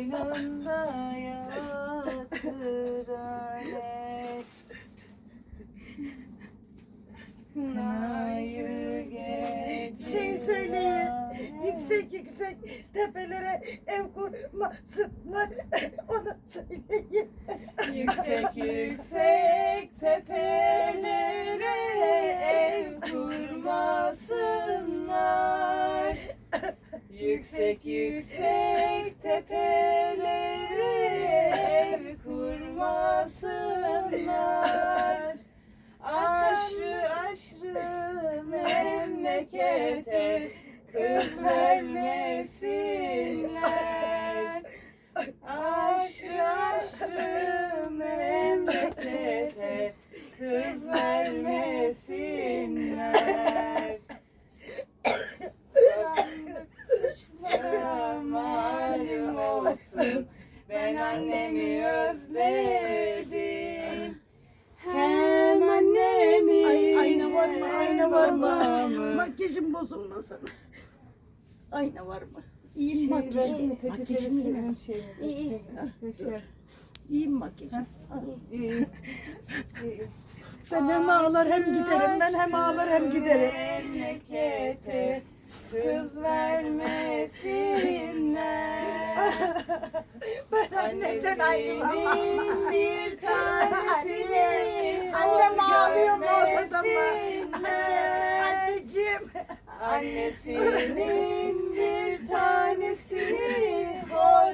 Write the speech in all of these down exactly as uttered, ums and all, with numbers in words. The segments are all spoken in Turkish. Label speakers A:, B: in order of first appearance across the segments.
A: Boynunda yatır alet. Kınayı getir
B: Şey söyleyin,
A: alet.
B: yüksek yüksek tepelere ev kurmasınlar, onu söyleyin.
A: Yüksek yüksek tepelere ev kurmasınlar. Yüksek yüksek tepelere ev kurmasınlar. Aşrı aşrı memlekete kız vermesinler. Aşrı aşrı memlekete kız vermesinler. Sandık kuşlara malum olsun, ben annemi özledim. Hem annemi
B: Ay, ayna var mı? Ayna var mı?
A: babamı.
B: Makyajım bozulmasın. Ayna var mı? İyiyim
A: Şey,
B: makyajım.
A: versene,
B: Makyajım
A: peçetesi
B: iyi.
A: benim şeyim.
C: İyi,
A: Peçete.
B: İyiyim makyajım.
A: İyi. İyi.
B: Ben hem ağlar hem giderim. Ben hem ağlar hem giderim.
A: Memlekete kız vermesinler.
B: Ben annemden ayrılamam.
A: Annesinin bir tanesini
B: Annem ağlıyor mu odada mı?
A: görmesinler.
B: Anneciğim.
A: Annesinin bir tanesini hor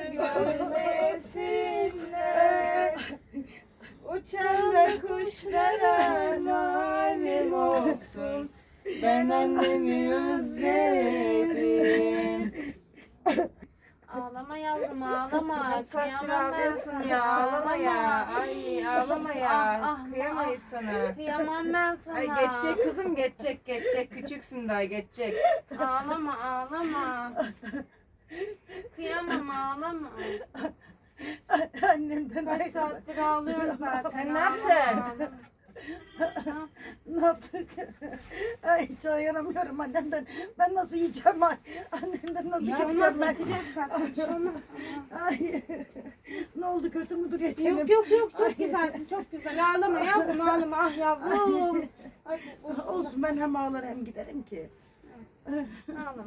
A: görmesinler. Uçan da kuşlara malum olsun, ben annemi özledim.
C: Ağlama yavrum ağlama.
A: Saattir
C: Kıyamam ben
A: ağlıyorsun
C: sana.
A: ya, ağlama ya. Ay ağlama ya,
C: Ah, ah,
A: kıyamayız sana.
C: Kıyamam ben sana.
A: Ay geçecek kızım, geçecek, geçecek. Küçüksün daha, geçecek.
C: Ağlama ağlama. Kıyamam ağlama.
B: Annemden
C: Kaç
B: ayrılamam.
C: saattir ağlıyoruz zaten.
A: Sen ne
C: Ağlama,
A: yapacaksın?
C: ağlama.
B: Ne yaptık? Ay hiç dayanamıyorum annemden. Ben nasıl yiyeceğim ay? Annemden nasıl
C: Bir şey
B: yapacağım
C: olmaz
B: ben?
C: yapacak zaten. Bir şey olmaz.
B: Ay. Ne oldu, kötü müdür yetelim?
C: Yok yok yok çok
B: Ay.
C: güzelsin çok güzel. Ağlama yavrum ağlama ah yavrum. Ay, bu- bu-
B: Olsun, ben hem ağlar hem giderim ki.
C: ağlama.